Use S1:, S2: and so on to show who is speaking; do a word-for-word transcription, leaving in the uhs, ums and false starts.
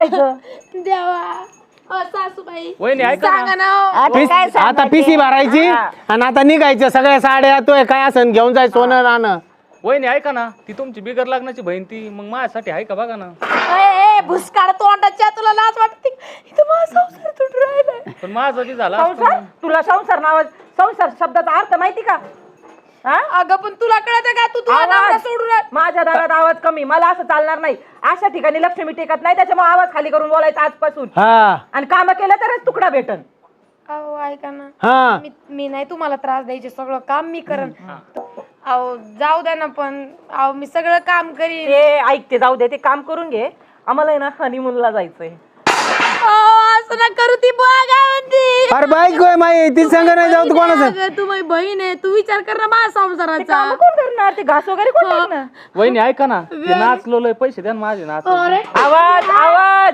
S1: देवा सासूबाई
S2: वहिनी ऐका
S1: सांगा
S2: ना.
S1: ना
S3: पिस- आता पिसी भरायची आणि आता निघायचं सगळ्या साड्या तो काय असं घेऊन जाय सोनं नाणं.
S2: वहिनी ऐका ना, ती तुमची बिगर लग्नाची बहीण ती मग माझ्यासाठी आहे का बघा ना.
S1: ए भुसकाळ तोंडाच्या तुला लाज वाटते इथं माझा संसार तुटून राहिलाय.
S2: पण माझा बी झाला असता
S4: संसार
S2: मग.
S4: तुला संसार नाव संसार शब्दाचा अर्थ माहिती का? हा?
S1: अगं पण तुला कळत का तू तुझा नवरा
S4: आवाज
S1: सोडून राह-
S4: माझ्या दारात आवाज कमी, मला असं चालणार नाही. अशा ठिकाणी लक्ष्मी टेकत नाही, त्याच्यामुळे आवाज खाली करून बोलायचा आजपासून.
S3: हा
S4: आणि काम केलं तरच तुकडा भेटन.
S1: अहो ऐका ना
S3: हा
S1: मी मी नाही तुम्हाला त्रास द्यायचे सगळं काम मी करन. अहो जाऊ द्या ना पण अहो मी सगळं काम करीन.
S4: ते ऐकते जाऊ दे, ते काम करून घे. आम्हाला आहे ना हनीमूनला जायचंय.
S1: अहो, असं ना करू ती बघा म्हणती.
S3: अरे बाईक होय माई ती संग नाही जाऊ तू कोणाचं.
S1: अगं, तू माझी बहीण आहे तू विचार कर ना माझ्या
S4: ते
S1: संसाराचा.
S4: काम कोण करणार? ते घास वगैरे कोण करणार?
S2: वहिनी ऐका ना, ते नाचलो लय पैसे द्या ना माझे नाच.
S1: अरे
S4: आवाज आवाज